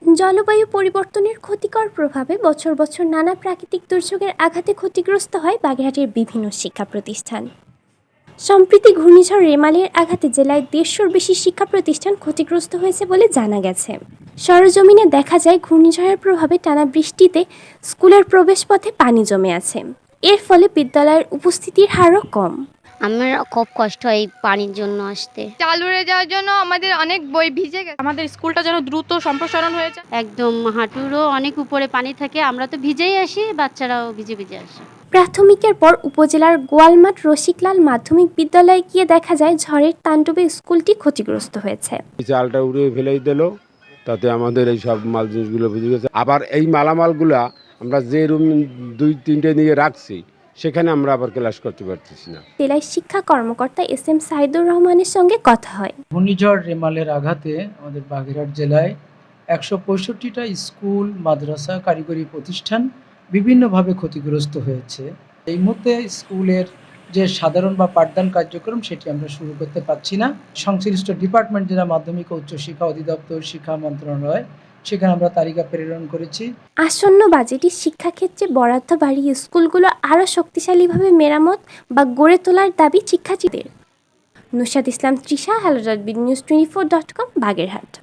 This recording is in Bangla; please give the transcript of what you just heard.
জলবায়ু পরিবর্তনের ক্ষতিকর প্রভাবে বছর বছর নানা প্রাকৃতিক দুর্যোগের আঘাতে ক্ষতিগ্রস্ত হয় বাগেরহাটের বিভিন্ন শিক্ষা প্রতিষ্ঠান। সম্প্রতি ঘূর্ণিঝড় রেমালের আঘাতে জেলায় ১৫০র বেশি শিক্ষা প্রতিষ্ঠান ক্ষতিগ্রস্ত হয়েছে বলে জানা গেছে। সরেজমিনে দেখা যায় ঘূর্ণিঝড়ের প্রভাবে টানা বৃষ্টিতে স্কুলের প্রবেশপথে পানি জমে আছে। এর ফলে বিদ্যালয়ের উপস্থিতির হারও কম। আমার খুব কষ্ট হয় এই পানির জন্য আসতে। চাল উড়ে যাওয়ার জন্য আমাদের অনেক বই ভিজে গেছে। আমাদের স্কুলটা যেন দ্রুত সম্প্রসারণ হয়ে যায়। একদম হাঁটুরও অনেক উপরে পানি থাকে, আমরা তো ভিজেই আসি, বাচ্চারাও ভিজে ভিজে আসে। প্রাথমিকের পর উপজেলার গোয়ালমাঠ রসিকলাল মাধ্যমিক বিদ্যালয়ে গিয়ে দেখা যায় ঝড়ের তাণ্ডবে স্কুলটি ক্ষতিগ্রস্ত হয়েছে। চালটা উড়িয়ে ফেলেই দিল, তাতে আমাদের এই সব মাল জিনিসগুলো ভিজে গেছে। আবার এই মালামালগুলা আমরা যে রুম ২-৩টে নিয়ে রাখছি সেখানে আমরা আবার ক্লাস করতে পারতেছি না। জেলায় শিক্ষা কর্মকর্তা এস.এম. সাইদুর রহমানের সঙ্গে কথা হয়। ঘূর্ণিঝড় রেমালের আঘাতে আমাদের বাগেরহাট জেলায় ১৬৫টা স্কুল, মাদ্রাসা, কারিগরি প্রতিষ্ঠান বিভিন্নভাবে ক্ষতিগ্রস্ত হয়েছে। এই মুহূর্তে স্কুলের যে সাধারণ বা পাঠদান কার্যক্রম সেটি আমরা শুরু করতে পারছি না। সংশ্লিষ্ট ডিপার্টমেন্ট, যেটা মাধ্যমিক ও উচ্চশিক্ষা অধিদপ্তর, শিক্ষা মন্ত্রণালয়, সেখানে আমরা তালিকা প্রেরণ করেছি। আসন্ন বাজেটে শিক্ষাক্ষেত্রে বরাদ্দ বাড়িয়ে স্কুলগুলো আরও শক্তিশালীভাবে মেরামত বা গড়ে তোলার দাবি শিক্ষার্থীদের। নুশাদ ইসলাম তৃষা, hello.bdnews24.com, বাগেরহাট।